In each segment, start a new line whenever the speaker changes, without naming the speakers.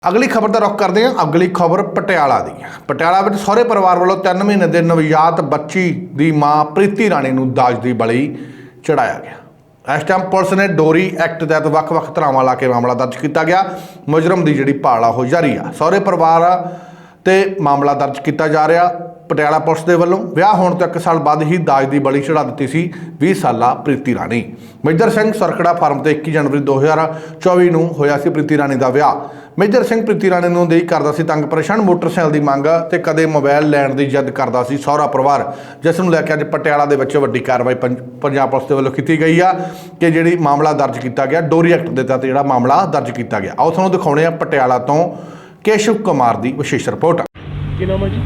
अगली खबर का रुख करते हैं। अगली खबर पटियाला दी। पटियाला में सहुरे परिवार वालों 3 महीने के नवजात बच्ची की मां प्रीति राणी नूं दाज की बली चढ़ाया गया। इस टाइम पुलिस ने डोरी एक्ट तहत ਵੱਖ-ਵੱਖ ਧਾਰਾਵਾਂ ਲਾ के मामला दर्ज किया गया। मुजरम की जिहड़ी भाल आ जारी आ। सहुरे परिवार ते मामला दर्ज किया जा रहा। पटियाला पुलिस के वलों विआह होने तो 1 साल बाद ही दाज की बली चढ़ा दी सी 20 साला प्रीति राणी। मेजर सिंह सरकड़ा फार्म से 21 जनवरी 2024 नूं होया सी प्रीति राणी का विआह। मेजर सिंह प्रीति राणी नूं देई करदा सी तंग परेशान मोटरसाइकिल की मंग ते कदे मोबाइल लैण की जिद करदा सी सहुरा परिवार, जिस नूं लैके अज पटियाला दे विच वड्डी कार्रवाई पंजाब पुलिस के वलों की गई आ कि जिहड़ी मामला दर्ज किया गया डोरी एक्ट के तहत जिहड़ा मामला दर्ज किया गया। आओ तुहानूं दिखाउणे आ पटियाला तो केशव कुमार की विशेष रिपोर्ट।
ਕੀ ਨਾਮ ਹੈ ਜੀ?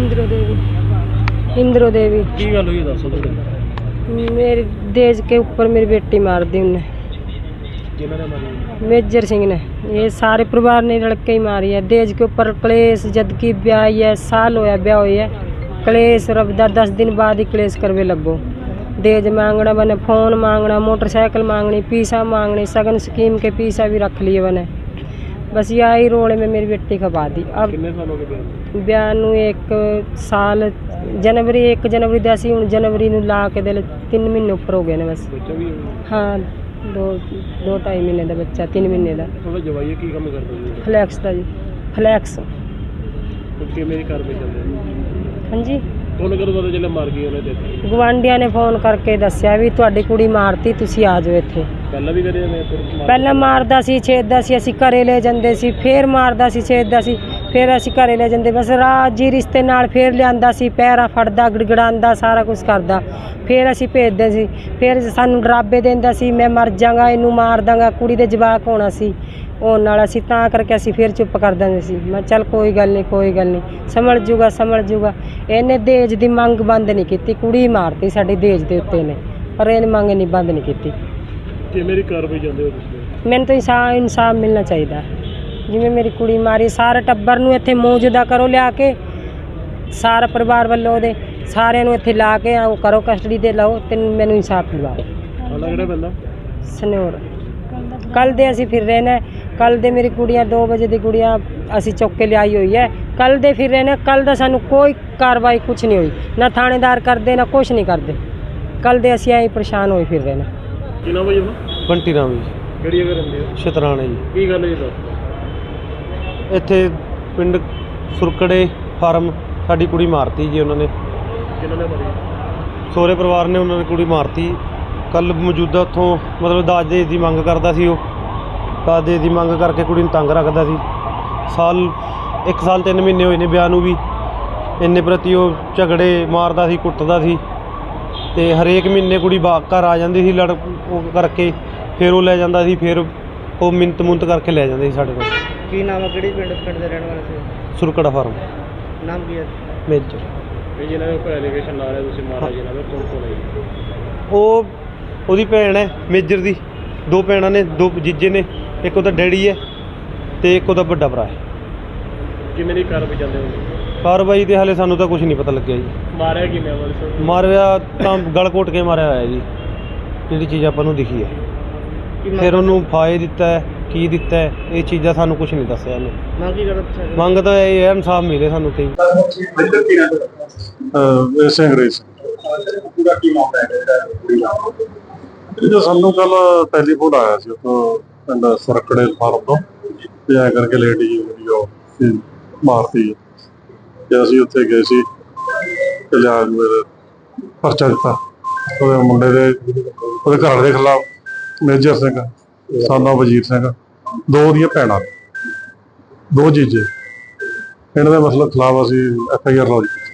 इंद्रो देवी
ਕੀ ਗੱਲ ਹੋਈ ਦੱਸੋ ਤੁਸੀਂ?
मेरे देश के ऊपर मेरी बेटी मार दी उन्हें,
ਕਿਹਨਾਂ ਨੇ ਮਾਰੀ?
मेजर सिंह ने। ये सारे परिवार ने लड़के ही मारी है। देश के ऊपर क्लेश जबकि ब्याह है, साल होया ब्याह हुई है, क्लेश रबदा 10 दिन बाद ही क्लेश करवे लगो। देज मांगना बने, फोन मांगना, मोटरसाइकिल मांगनी, पीसा मांगनी, सगन स्कीम के पीसा भी रख लिए बने। बस यही रोले में मेरी बेटी खपा दी। अब
ਕਿੰਨੇ ਸਾਲ ਹੋ ਗਏ
ब्याह नूं 1 साल जनवरी 1 जनवरी ਦਾ ਸੀ, ਹੁਣ जनवरी ਨੂੰ ਲਾ ਕੇ ਦੇ 3 ਮਹੀਨੇ ਉੱਪਰ ਹੋ ਗਏ ਨੇ ਬਸ।
ਬੱਚਾ ਵੀ
ਹਾਂ 2-2.5 ਮਹੀਨੇ ਦਾ ਬੱਚਾ, 3 ਮਹੀਨੇ ਦਾ।
ਉਹਦਾ ਜਵਾਈ ਕੀ ਕੰਮ ਕਰਦਾ ਜੀ?
ਫਲੈਕਸ ਦਾ ਜੀ, ਫਲੈਕਸ।
ਕਿ ਮੇਰੀ ਘਰ ਵਿੱਚ ਚੱਲਦਾ
ਹਾਂਜੀ,
ਤੁਹਾਨੂੰ ਕਦੋਂ ਪਤਾ ਚੱਲਿਆ ਮਾਰ ਗਈ ਉਹਨੇ? ਤੇ
ਗਵਾਂਢੀਆਂ ਨੇ ਫੋਨ ਕਰਕੇ ਦੱਸਿਆ ਵੀ ਤੁਹਾਡੀ ਕੁੜੀ ਮਾਰਤੀ, ਤੁਸੀਂ ਆ ਜਾਓ ਇੱਥੇ।
ਪਹਿਲਾਂ ਵੀ ਕਰੇ ਨੇ
ਪਹਿਲਾਂ ਮਾਰਦਾ ਸੀ, ਛੇਦਦਾ ਸੀ, ਅਸੀਂ ਘਰੇ ਲੈ ਜਾਂਦੇ ਸੀ, ਫੇਰ ਮਾਰਦਾ ਸੀ, ਛੇਦਦਾ ਸੀ, ਫਿਰ ਅਸੀਂ ਘਰੇ ਲੈ ਜਾਂਦੇ। ਬਸ ਰਾਜੀ ਰਿਸ਼ਤੇ ਨਾਲ ਫੇਰ ਲਿਆਂਦਾ ਸੀ, ਪੈਰਾ ਫੜਦਾ, ਗੜਗੜਾਉਂਦਾ, ਸਾਰਾ ਕੁਝ ਕਰਦਾ, ਫਿਰ ਅਸੀਂ ਭੇਜਦੇ ਸੀ। ਫਿਰ ਸਾਨੂੰ ਡਰਾਬੇ ਦਿੰਦਾ ਸੀ, ਮੈਂ ਮਰ ਜਾਵਾਂਗਾ, ਇਹਨੂੰ ਮਾਰ ਦਾਂਗਾ, ਕੁੜੀ ਦੇ ਜਵਾਕ ਹੋਣਾ ਸੀ ਉਹ ਨਾਲ। ਅਸੀਂ ਤਾਂ ਕਰਕੇ ਅਸੀਂ ਫਿਰ ਚੁੱਪ ਕਰ ਦਿੰਦੇ ਸੀ। ਮੈਂ ਚੱਲ ਕੋਈ ਗੱਲ ਨਹੀਂ, ਕੋਈ ਗੱਲ ਨਹੀਂ, ਸੰਭਲ ਜੂਗਾ, ਸੰਭਲ ਜੂਗਾ। ਇਹਨੇ ਦਹੇਜ ਦੀ ਮੰਗ ਬੰਦ ਨਹੀਂ ਕੀਤੀ, ਕੁੜੀ ਮਾਰਤੀ ਸਾਡੀ ਦਹੇਜ ਦੇ ਉੱਤੇ ਨੇ, ਪਰ ਇਹਨੇ ਮੰਗ ਨਹੀਂ ਬੰਦ ਨਹੀਂ ਕੀਤੀ।
ਕਿ ਮੇਰੀ ਘਰ ਵਿੱਚ ਜਾਂਦੇ ਹੋ ਤੁਸੀਂ?
ਮੈਨੂੰ ਤਾਂ ਇਨਸਾਫ ਮਿਲਣਾ ਚਾਹੀਦਾ। ਜਿਵੇਂ ਮੇਰੀ ਕੁੜੀ ਮਾਰੀ, ਸਾਰੇ ਟੱਬਰ ਨੂੰ ਇੱਥੇ ਮੌਜੂਦਾ ਕਰੋ, ਲਿਆ ਕੇ ਸਾਰਾ ਪਰਿਵਾਰ ਵੱਲੋਂ ਉਹਦੇ ਸਾਰਿਆਂ ਨੂੰ ਇੱਥੇ ਲਾ ਕੇ ਉਹ ਕਰੋ, ਕਸਟਡੀ ਤੇ ਲਓ ਤੇ ਮੈਨੂੰ ਇਨਸਾਫ ਦਿਵਾਓ।
ਹਾਲਾ ਕਿਹੜਾ ਬੰਦਾ?
ਸਨੋਰ। ਕੱਲ ਦੇ ਅਸੀਂ ਫਿਰ ਰਹੇ ਨੇ, ਕੱਲ ਦੇ ਮੇਰੀ ਕੁੜੀਆਂ 2 ਵਜੇ ਦੀ ਕੁੜੀਆਂ ਅਸੀਂ ਚੁੱਕ ਕੇ ਲਿਆਈ ਹੋਈ ਹੈ। ਕੱਲ ਦੇ ਫਿਰ ਰਹੇ ਨੇ, ਕੱਲ ਦਾ ਸਾਨੂੰ ਕੋਈ ਕਾਰਵਾਈ ਕੁਛ ਨਹੀਂ ਹੋਈ, ਨਾ ਥਾਣੇਦਾਰ ਕਰਦੇ ਨਾ ਕੁਛ ਨਹੀਂ ਕਰਦੇ। ਕੱਲ ਦੇ ਅਸੀਂ ਐਂ ਪਰੇਸ਼ਾਨ ਹੋਏ ਫਿਰ ਰਹੇ ਨੇ।
ਕੀ ਨਾਮ ਹੈ ਜੀ ਉਹਦਾ?
ਬੰਟੀ ਰਾਮ ਜੀ,
ਕਿਹੜੀ ਜਗ੍ਹਾ ਰਹਿੰਦੇ ਹੋ?
ਸ਼ਤਰਾਣੇ ਜੀ।
ਕੀ ਗੱਲ ਹੈ ਜੀ ਦੱਸ?
ਇੱਥੇ ਪਿੰਡ ਸੁਰਕੜੇ ਫਾਰਮ ਸਾਡੀ ਕੁੜੀ ਮਾਰਤੀ ਜੀ ਉਹਨਾਂ ਨੇ।
ਕਿਹਨਾਂ ਨੇ ਮਾਰੀ?
ਸਹੁਰੇ ਪਰਿਵਾਰ ਨੇ ਉਹਨਾਂ ਨੇ ਕੁੜੀ ਮਾਰਤੀ। ਕੱਲ ਮੌਜੂਦਾ ਉੱਥੋਂ ਮਤਲਬ ਦਾਜ ਦਹੇਜ ਦੀ ਮੰਗ ਕਰਦਾ ਸੀ, ਉਹ ਦਾਜ ਦਹੇਜ ਦੀ ਮੰਗ ਕਰਕੇ ਕੁੜੀ ਨੂੰ ਤੰਗ ਰੱਖਦਾ ਸੀ। 1 ਸਾਲ 3 ਮਹੀਨੇ ਹੋਏ ਨੇ ਵਿਆਹ ਨੂੰ ਵੀ। ਇੰਨੇ ਪ੍ਰਤੀ ਉਹ ਝਗੜੇ ਮਾਰਦਾ ਸੀ, ਕੁੱਟਦਾ ਸੀ ਤੇ ਹਰੇਕ ਮਹੀਨੇ ਕੁੜੀ ਘਰ ਆ ਜਾਂਦੀ ਸੀ ਲੜ ਉਹ ਕਰਕੇ, ਫਿਰ ਉਹ ਲੈ ਜਾਂਦਾ ਸੀ, ਫਿਰ ਉਹ ਮਿੰਤ ਮੁੰਤ ਕਰਕੇ ਲੈ ਜਾਂਦੇ ਸੀ ਸਾਡੇ ਕੋਲ।
ਕੀ ਨਾਮ ਹੈ? ਕਿਹੜੀ ਪਿੰਡ ਦੇ ਰਹਿਣ ਵਾਲੇ ਸੀ?
ਸੁਰਕੜਾ ਫਾਰਮ।
ਨਾਮ ਕੀ ਹੈ?
ਮੇਜਰ।
ਇਹ ਜਿਹਨਾਂ ਦੇ ਉੱਪਰ ਐਲੀਗੇਸ਼ਨ ਲਾ ਰਹੇ ਤੁਸੀਂ ਮਾਰਾ ਜਿਹਨਾਂ ਦਾ ਕੌਣ ਹੈ?
ਉਹ ਉਹਦੀ ਭੈਣ ਹੈ ਮੇਜਰ ਦੀ। 2 ਭੈਣਾਂ ਨੇ, 2 ਜੀਜੇ ਨੇ, ਇੱਕ ਉਹਦਾ ਡੈਡੀ ਹੈ ਤੇ ਇੱਕ ਉਹਦਾ ਵੱਡਾ ਭਰਾ ਹੈ।
ਕਿ ਮੇਰੀ ਘਰ ਵਿੱਚ ਜਾਂਦੇ ਹੋ?
ਕਾਰਵਾਈ ਤੇ ਹਾਲੇ ਸਾਨੂੰ ਤਾਂ ਕੁਝ ਨਹੀਂ ਪਤਾ ਲੱਗਿਆ ਜੀ।
ਮਾਰਿਆ ਕਿਵੇਂ ਆ?
ਮਾਰਿਆ ਤਾਂ ਗਲ ਘੋਟ ਕੇ ਮਾਰਿਆ ਹੋਇਆ ਜੀ, ਜਿਹੜੀ ਚੀਜ਼ ਆਪਾਂ ਨੂੰ ਦਿਖੀ ਹੈ। ਫਿਰ ਉਹਨੂੰ ਫਾਇ ਦਿੱਤਾ ਹੈ, ਕੀ ਦਿੱਤਾ ਹੈ, ਇਹ ਚੀਜ਼ਾਂ ਸਾਨੂੰ ਕੁਝ ਨਹੀਂ ਦੱਸਿਆ ਇਹਨੇ।
ਮੰਗ ਕੀ ਕਰਦਾ?
ਮੰਗ ਤਾਂ ਇਹ ਹੈ ਇਨਸਾਫ ਮਿਲੇ ਸਾਨੂੰ ਤੇ।
ਵੈਸੇ ਅੰਗਰੇਜ਼
ਪੂਰਾ ਕੀ ਮਾਮਲਾ ਹੈ?
ਇਹ ਸਾਨੂੰ ਕੱਲ ਟੈਲੀਫੋਨ ਆਇਆ ਸੀ ਉੱਥੋਂ ਪਿੰਡ ਸਰਕੜੇ ਫਾਰਮ ਤੋਂ ਤੇ ਐ ਕਰਕੇ ਲੇਡੀ ਜਿਹੜੀ ਉਹ ਮਾਰਤੀ। ਤੇ ਅਸੀਂ ਉੱਥੇ ਗਏ ਸੀ ਤੇ ਲਿਆ ਮੇਰੇ ਪਰਚਾ ਦਿੱਤਾ ਉਹਦੇ ਮੁੰਡੇ ਦੇ, ਉਹਦੇ ਘਰ ਦੇ ਖਿਲਾਫ ਮੇਜਰ ਸਿੰਘ, ਸਾਨਾ ਵਜ਼ੀਰ ਸਿੰਘ, 2 ਦੀਆਂ ਭੈਣਾਂ, 2 ਜੀਜੇ। ਇਹਨਾਂ ਦੇ ਮਸਲੇ ਖਿਲਾਫ ਅਸੀਂ FIR ਲੌਜ ਕੀਤੀ।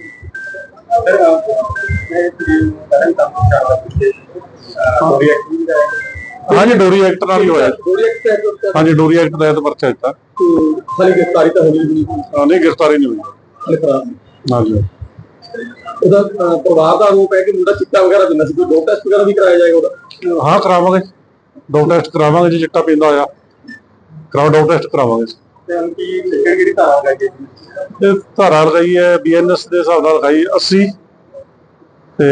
ਹਾਂਜੀ, ਡੋਰੀ ਐਕਟ ਨਾਲ ਹੀ ਹੋਇਆ। ਹਾਂਜੀ, ਡੋਰੀ ਐਕਟ ਤਹਿਤ ਪਰਚਾ ਦਿੱਤਾ।
ਗ੍ਰਿਫਤਾਰੀ ਤਾਂ ਹੋ ਗਈ?
ਨਹੀਂ, ਗ੍ਰਿਫਤਾਰੀ ਨਹੀਂ ਹੋਈ। ਹਾਂਜੀ।
ਉਹਦਾ ਪਰਿਵਾਰ ਦਾ ਆਰੋਪ ਹੈ ਕਿ ਮੁੰਡਾ ਚਿੱਟਾ ਵਗੈਰਾ ਪੀਂਦਾ ਸੀ, ਕੋਈ ਡੋਪ ਟੈਸਟ ਵਗੈਰਾ ਵੀ ਕਰਾਇਆ ਜਾਏਗਾ ਉਹਦਾ?
ਹਾਂ, ਕਰਾਵਾਂਗੇ, 2 ਟੈਸਟ ਕਰਾਵਾਂਗੇ। ਜੇ ਚਿੱਟਾ ਪੀਂਦਾ ਹੋਇਆ ਕਰਾਓ, 2 ਟੈਸਟ ਕਰਾਵਾਂਗੇ।
ਕਿਹੜੀ ਧਾਰਾ ਹੈ?
ਇਹ ਧਾਰਾ ਲਗਾਈ ਹੈ BNS ਦੇ ਹਿਸਾਬ ਨਾਲ ਲਗਾਈ 80 ਤੇ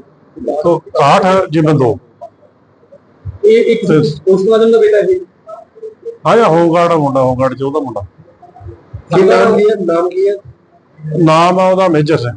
61/2।
ਇਹ ਇੱਕ ਉਸ ਮੁਲਾਜ਼ਮ ਦਾ ਬੇਟਾ ਹੈ?
ਹਾਂ, ਹੋਮਗਾਰਡ ਮੁੰਡਾ, ਹੋਮਗਾਰਡ 'ਚ ਉਹਦਾ ਮੁੰਡਾ।
ਨਾਮ ਕੀ ਹੈ?
ਨਾਮ ਆ ਉਹਦਾ ਮੇਜਰ ਸਿੰਘ।